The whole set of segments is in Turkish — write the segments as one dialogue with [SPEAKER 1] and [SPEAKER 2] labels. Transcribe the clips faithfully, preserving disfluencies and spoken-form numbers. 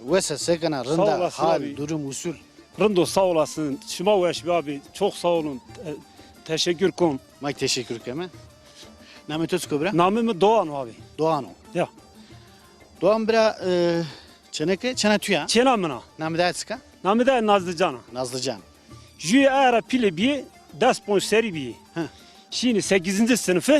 [SPEAKER 1] Vese sekana
[SPEAKER 2] Sağ
[SPEAKER 1] rında
[SPEAKER 2] olasın
[SPEAKER 1] hal
[SPEAKER 2] abi.
[SPEAKER 1] durum usul.
[SPEAKER 2] Rındo sağ olasın. Şıma Veşbi abi çok sağ olun. E, teşekkür kon.
[SPEAKER 1] May teşekkür keme. Nametos kubra.
[SPEAKER 2] Namımı Doğan abi.
[SPEAKER 1] Doğano.
[SPEAKER 2] Ya.
[SPEAKER 1] Doğan bira e, çeneke çene tüya.
[SPEAKER 2] Çenamına.
[SPEAKER 1] Namı sıka.
[SPEAKER 2] Namı da Nazlıcan'a.
[SPEAKER 1] Nazlıcan.
[SPEAKER 2] Jüye era pili bir ders seri bir.
[SPEAKER 1] Hı.
[SPEAKER 2] Şimdi sekizinci sınıfı.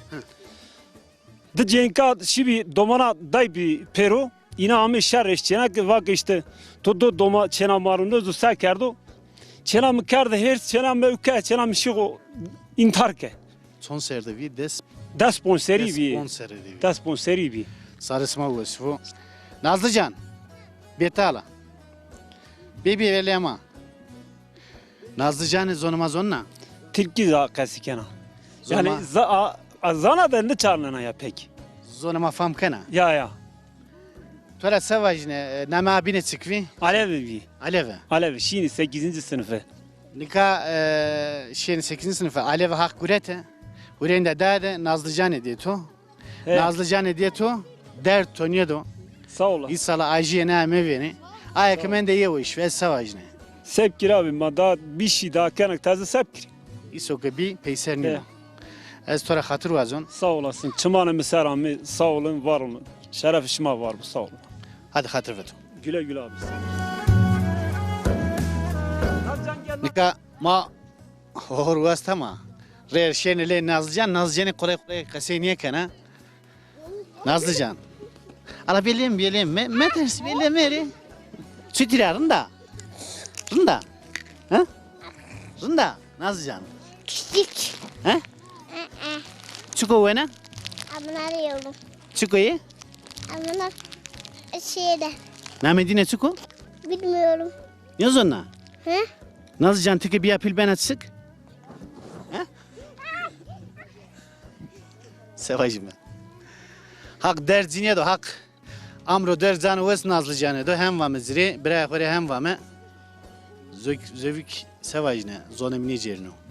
[SPEAKER 2] De cenka şimdi domana day bir pero. İna amı şerreş çenak vak işte. Todo doma çena marunda zu sakerdo. Çena mı kardı her çena mı üke çena mı şigo intihar ke.
[SPEAKER 1] Son serde vi des
[SPEAKER 2] Ders seri
[SPEAKER 1] des
[SPEAKER 2] bir.
[SPEAKER 1] sponseri vi.
[SPEAKER 2] Ders seri bir.
[SPEAKER 1] Sarısma vesifu. Nazlıcan. Betala. Bebi velema. Nazlıcan'ı zonuma zonna.
[SPEAKER 2] Tilki za kasikena.
[SPEAKER 1] Zoma.
[SPEAKER 2] Yani za a- a- zana da ne çarlana ya pek.
[SPEAKER 1] Zonuma fam kana.
[SPEAKER 2] Ya ya.
[SPEAKER 1] Tora savajne nama abine çıkvi.
[SPEAKER 2] Alevi bir.
[SPEAKER 1] Aleve.
[SPEAKER 2] Alevi şimdi sekizinci sınıfı.
[SPEAKER 1] Nika e, şeyin sekizinci sınıfı Aleve hak gurete. Hurende dade Nazlıcan diye to.
[SPEAKER 2] He,
[SPEAKER 1] Nazlıcan diye to. Der tonyedo.
[SPEAKER 2] Sağ ol.
[SPEAKER 1] İsala ajiye ne meveni. Ayak men de ye o iş ve savajne.
[SPEAKER 2] Sepkir abi ma daha bir şey daha kanak taze sepkir.
[SPEAKER 1] İso gibi peyser
[SPEAKER 2] He.
[SPEAKER 1] nina. Ez tora hatır vazon.
[SPEAKER 2] Sağ olasın. Çımanı misaramı sağ olun var olun. Şeref işime var bu sağ olun.
[SPEAKER 1] Hadi hatır veto.
[SPEAKER 2] Güle güle abi.
[SPEAKER 1] Nika ma hor vasta ma. Rer şenele Nazlıcan. Nazlıcan'ı kolay kolay kaseye niye kana? Nazlıcan. Ala bileyim bileyim. Me, me tersi bileyim eri. Sütüler rında. Rında. Ha? Rında. Nazlıcan.
[SPEAKER 3] Küçük.
[SPEAKER 1] Ha? Çuko vena.
[SPEAKER 3] Amına arıyorum.
[SPEAKER 1] Çuko'yu.
[SPEAKER 3] Amına şeyde.
[SPEAKER 1] Namedine çuko.
[SPEAKER 3] Bilmiyorum.
[SPEAKER 1] Yaz ona.
[SPEAKER 3] Hı?
[SPEAKER 1] Nazlıcan teke bir apil ben atsık. Ha? Sevacım ben. Hak derzine do hak. Amro derzanı ves Nazlıcan'ı do hem vamı ziri. Bırak hem vamı. Zövük sevacine. Zonemini cerno.